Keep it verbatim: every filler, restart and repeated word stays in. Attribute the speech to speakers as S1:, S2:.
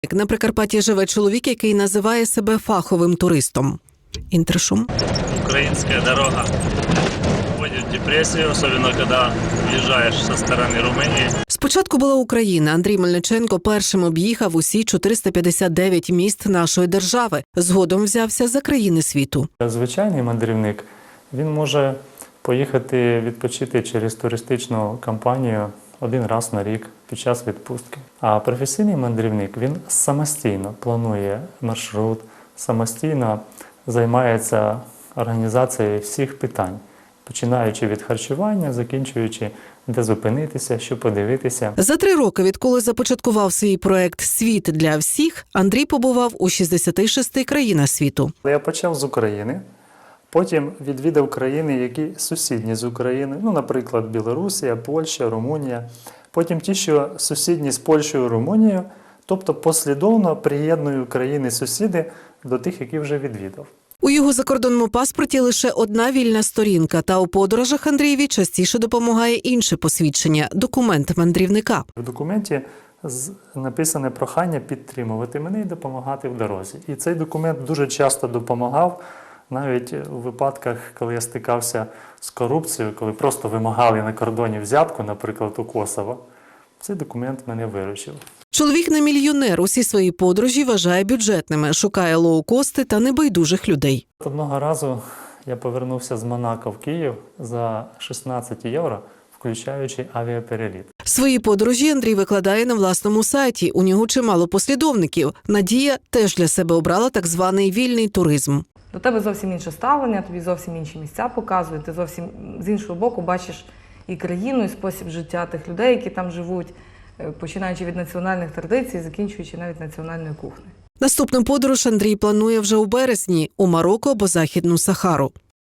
S1: На Прикарпатті живе чоловік, який називає себе фаховим туристом. Інтершум.
S2: Украинская дорога вводит в депрессию, особенно когда въезжаешь со стороны Румынии.
S1: Спочатку була Україна. Андрій Мельниченко першим об'їхав усі чотириста п'ятдесят дев'ять міст нашої держави. Згодом взявся за країни світу.
S3: Звичайний мандрівник, він може поїхати відпочити через туристичну компанію один раз на рік під час відпустки. А професійний мандрівник, він самостійно планує маршрут, самостійно займається організацією всіх питань, починаючи від харчування, закінчуючи де зупинитися, що подивитися.
S1: За три роки, відколи започаткував свій проект «Світ для всіх», Андрій побував у шістдесяти шести країнах світу.
S3: Я почав з України, потім відвідав країни, які сусідні з України, ну, наприклад, Білорусія, Польща, Румунія, потім ті, що сусідні з Польщею, Румунією, тобто послідовно приєдную країни-сусіди до тих, які вже відвідав.
S1: У його закордонному паспорті лише одна вільна сторінка, та у подорожах Андрієві частіше допомагає інше посвідчення – документ мандрівника.
S3: В документі написане прохання підтримувати мене і допомагати в дорозі. І цей документ дуже часто допомагав, навіть у випадках, коли я стикався з корупцією, коли просто вимагали на кордоні взятку, наприклад, у Косово. Цей документ мене виручив.
S1: Чоловік не мільйонер, усі свої подорожі вважає бюджетними, шукає лоукости та небайдужих людей.
S3: Одного разу я повернувся з Монако в Київ за шістнадцять євро, включаючи авіапереліт.
S1: Свої подорожі Андрій викладає на власному сайті. У нього чимало послідовників. Надія теж для себе обрала так званий вільний туризм.
S4: До тебе зовсім інше ставлення, тобі зовсім інші місця показують, ти зовсім з іншого боку бачиш і країну, і спосіб життя тих людей, які там живуть, починаючи від національних традицій, закінчуючи навіть національною кухнею.
S1: Наступну подорож Андрій планує вже у березні – у Марокко або Західну Сахару.